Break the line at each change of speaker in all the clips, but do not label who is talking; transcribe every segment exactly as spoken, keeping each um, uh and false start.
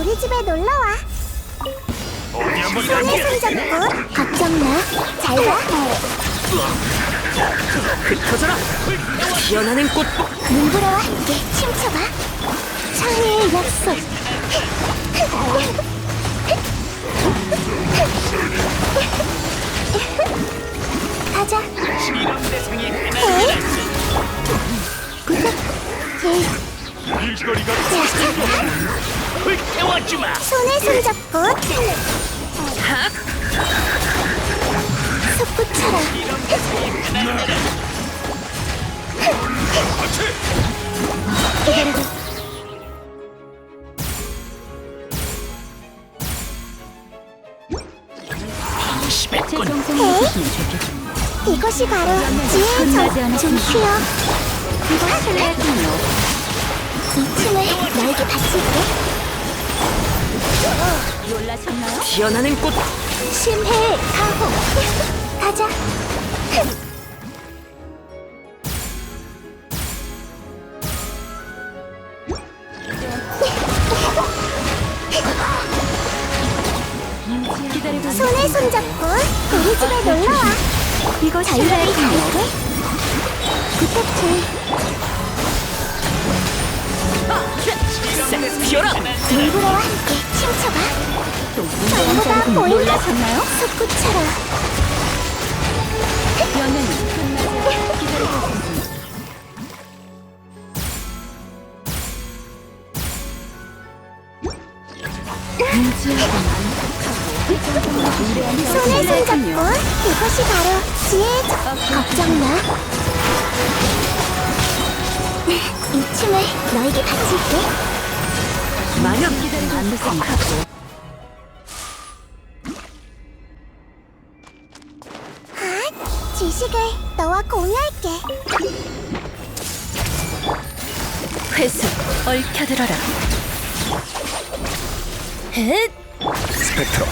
우리 집에 놀러와.
어디 한번
손에 손잡고 걱정 마. 잘 가.
흩어져라! 피어나는 꽃!
눈보라와 함께 춤춰봐. 창의의 약속. 가자.
이런 대상이 하나
에이?
일거리가 불태워주마.
손에 손잡고 솟구쳐라. 기다려줘.
심했군.
에이? 이것이 바로 지혜의 정. 좀 쉬어. 이거 실례군요. 이 춤을 너에게 바칠게.
놀라셨나요? 피어나는 꽃!
심해 가호. 가자.
기다리고
손에 손잡고 우리 집에 놀러와. 이거 자유롭게 가볼게. 부탁해.
싹 피어라!
눈보라와 함께 춤춰봐. 전부가 보인다.
놀라셨나요?
솟구쳐라.
연애는 끝나지 기다리고 있습니다.
손에 손잡고 이것이 바로 지혜의 정. 걱정 마. 이 춤을 너에게 바칠게.
마냥 기다리고 안 됐습니다.
아, 지식을 너와 공유할게.
회수 얽혀들어라. 헷!
스펙트럼.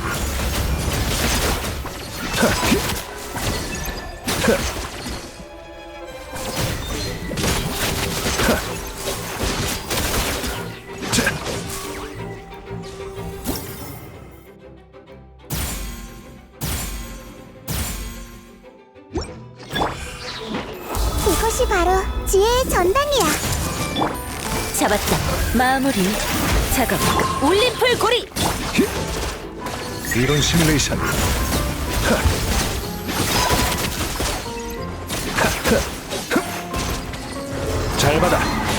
이것이 바로 지혜의 전당이야.
잡았다. 마무리. 작업. 올림플 고리.
이론 시뮬레이션. 잘 받아.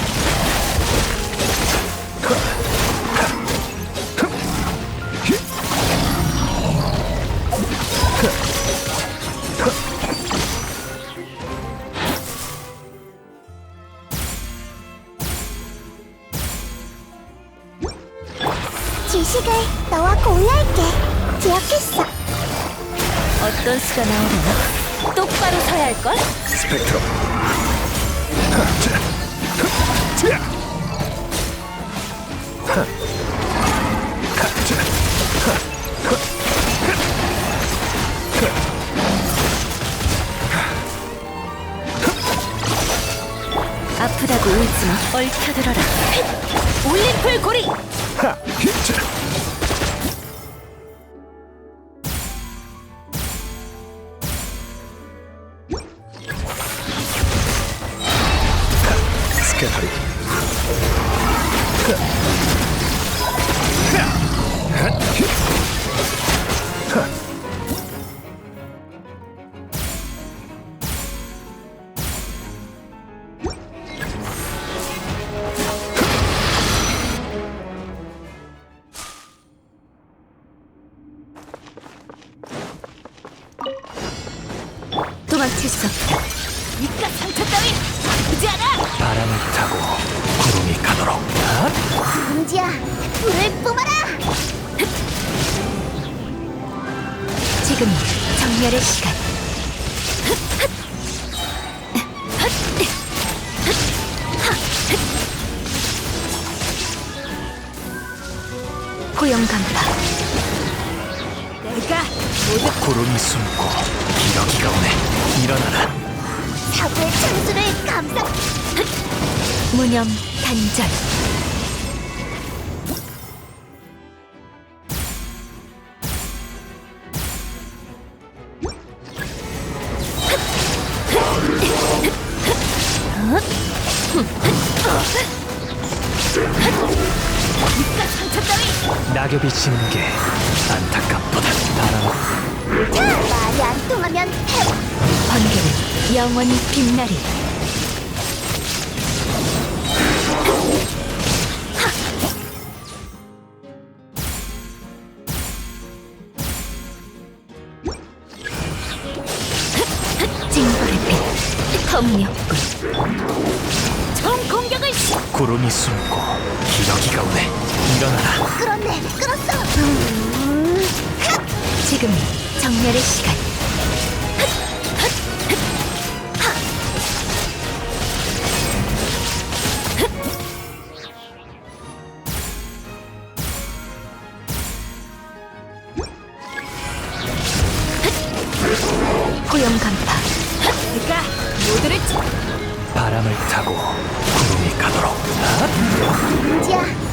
지식을 너와 공유할게. 기억했어.
어떤 수가 나오려나? 똑바로 서야 할걸?
스펙트럼.
아프다고 울지마. 얽혀들어라. 올림플 고리.
스케터링.
도망칠 수 없다. 이깟 상처 따위 아프지 않아.
바람을 타고 구름이 가도록.
금지야, 불을 뿜어라.
지금 정렬의 시간. 고용 간파. 내가 모두
구름이 숨고 기러기가 오네. 일어나라.
사고의 창수를 감상.
무념 단절.
낙엽이 지는 게 안타깝도다. 바람
자, 말이 안 통하면 해봐.
번개는 영원히 빛나리. 징벌의 빛, 턱력군. 총 공격을 시.
구름이 숨고 기러기가 오네. 일어나라.
끌었네, 끌었어. 음,
지금 정렬의 시간. 고용 간파. 내가 모두를 치.
바람을 타고 구름이 가도록.
은지야,